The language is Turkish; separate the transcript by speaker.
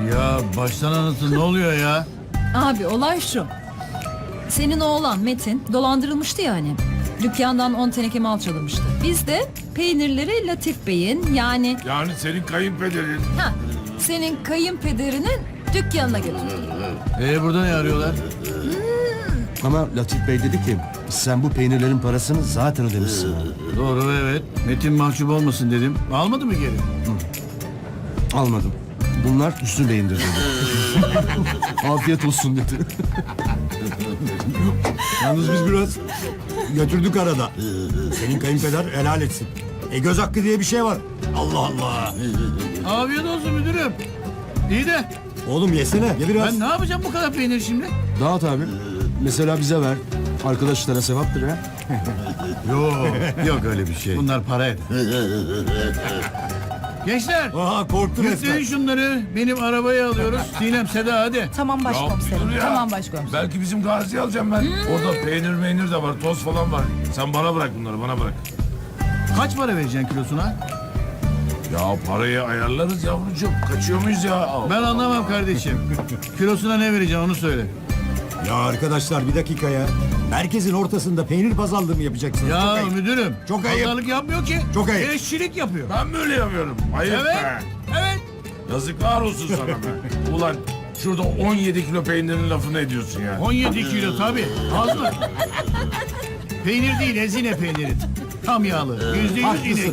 Speaker 1: Ya baştan anlatın, ne oluyor ya?
Speaker 2: Abi olay şu. Senin oğlan Metin dolandırılmıştı ya hani. Dükkandan 10 teneke mal çalınmıştı. Biz de peynirleri Latif Bey'in yani
Speaker 3: Yani senin kayınpederin.
Speaker 2: senin kayınpederinin dükkanına götürdük.
Speaker 1: Burada ne arıyorlar?
Speaker 4: Ama Latif Bey dedi ki sen bu peynirlerin parasını zaten ödemişsin.
Speaker 1: Doğru, evet. Metin mahcup olmasın dedim. Almadı mı geri?
Speaker 4: Almadım. Bunlar Hüsnü Bey'indir dedi. Afiyet olsun dedi.
Speaker 5: Yalnız biz biraz götürdük arada. Senin kayınpeder helal etsin. Göz hakkı diye bir şey var. Allah Allah.
Speaker 1: Afiyet olsun müdürüm. İyi de
Speaker 5: Oğlum yesene. Ye biraz.
Speaker 1: ben ne yapacağım bu kadar peynir şimdi?
Speaker 4: Dağıt abi. Mesela bize ver. Arkadaşlara sevaptır ha.
Speaker 1: Yok öyle bir şey. Bunlar para eder. Gençler,
Speaker 5: Aha korktu resmen.
Speaker 1: yükleyin şunları. Benim arabayı alıyoruz. Sinem, Seda hadi.
Speaker 2: Tamam
Speaker 3: Ya
Speaker 2: başkomiserim.
Speaker 3: dur ya.
Speaker 2: Tamam başkomiserim.
Speaker 3: Belki bizim Gazi alacağım ben. Orada peynir de var, toz falan var. Sen bana bırak bunları, bana bırak.
Speaker 1: Kaç para vereceksin kilosuna?
Speaker 3: Ya parayı ayarlarız yavrucuğum. Kaçıyor muyuz ya?
Speaker 1: Ben anlamam kardeşim. Kilosuna ne vereceksin onu söyle.
Speaker 5: Ya arkadaşlar bir dakika ya. Merkezin ortasında peynir pazarlığı mı yapacaksınız? Çok
Speaker 1: Ya
Speaker 5: ayıp.
Speaker 1: müdürüm.
Speaker 5: Çok ayıp.
Speaker 1: Pazarlık yapmıyor ki.
Speaker 5: Çok ayıp.
Speaker 1: Eşçilik yapıyor.
Speaker 3: Ben böyle yapıyorum. Ayıp
Speaker 1: Evet.
Speaker 3: be.
Speaker 1: Evet.
Speaker 3: Yazıklar olsun sana be. Ulan şurada 17 kilo peynirin lafını ediyorsun ya.
Speaker 1: 17 kilo tabii. Az mı? Peynir değil, ezine peyniri. Tam yağlı. %100 inek.